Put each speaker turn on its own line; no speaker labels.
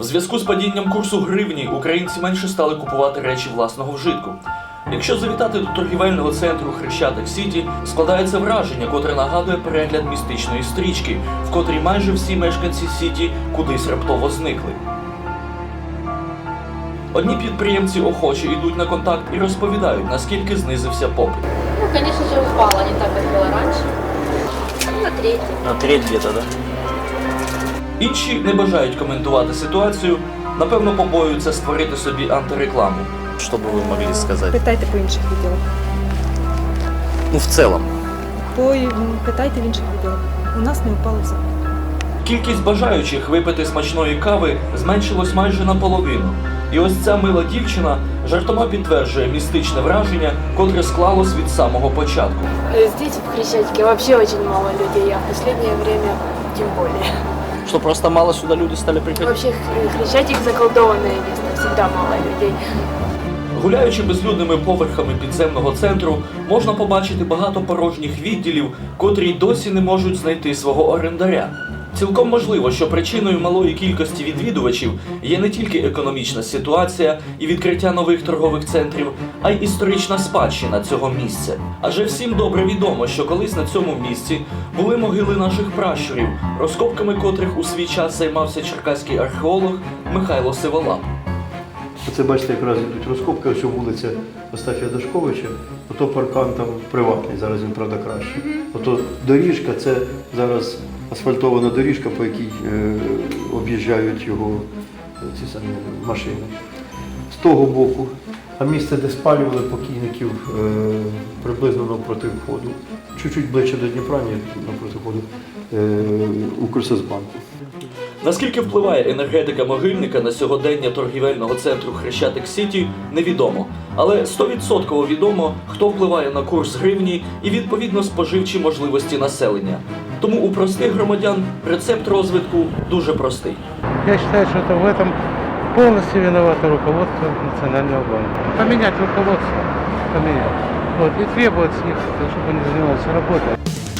В зв'язку з падінням курсу гривні українці менше стали купувати речі власного вжитку. Якщо завітати до торгівельного центру Хрещатик Сіті, складається враження, котре нагадує перегляд містичної стрічки, в котрій майже всі мешканці Сіті кудись раптово зникли. Одні підприємці охоче йдуть на контакт і розповідають, наскільки знизився попит.
Ну, конечно же, упало не так, как было раньше. На треть.
На треть где-то, да?
Інші не бажають коментувати ситуацію, напевно, побоюються створити собі антирекламу.
Что бы вы могли сказать?
Питайте по інших відділах.
Ну, в целом.
Питайте в інших відділах. У нас не впало взагалі.
Кількість бажаючих випити смачної кави зменшилось майже наполовину. І ось ця мила дівчина жартома підтверджує містичне враження, котре склалось від самого початку.
Здесь, в Хрещатике, вообще очень мало людей, а в последнее время тем более.
Что просто мало сюда люди стали приходить?
Вообще Хрещатик заколдованное место, всегда мало людей.
Гуляючи безлюдними поверхами підземного центру, можна побачити багато порожніх відділів, котрі й досі не можуть знайти свого орендаря. Цілком можливо, що причиною малої кількості відвідувачів є не тільки економічна ситуація і відкриття нових торгових центрів, а й історична спадщина цього місця. Адже всім добре відомо, що колись на цьому місці були могили наших пращурів, розкопками котрих у свій час займався черкаський археолог Михайло Сиволап.
Оце, бачите, якраз йдуть розкопки, ось вулиця Остафія Дашковича, ото паркан там приватний, зараз він, правда, краще. Ото доріжка, це зараз асфальтована доріжка, по якій об'їжджають його ці самі машини. З того боку, а місце, де спалювали покійників, приблизно навпроти входу. Чуть-чуть ближче до Дніпра, ні, навпроти входу, Укрсозбанку.
Наскільки впливає енергетика могильника на сьогодення торгівельного центру Хрещатик Сіті, невідомо. Але 100% відомо, хто впливає на курс гривні і, відповідно, споживчі можливості населення. Тому у простих громадян рецепт розвитку дуже простий.
Я считаю, что это в этом полностью виновато руководство Национального банка. Поменять руководство, поменять. Вот, и требовать с них, чтобы они занимались работой.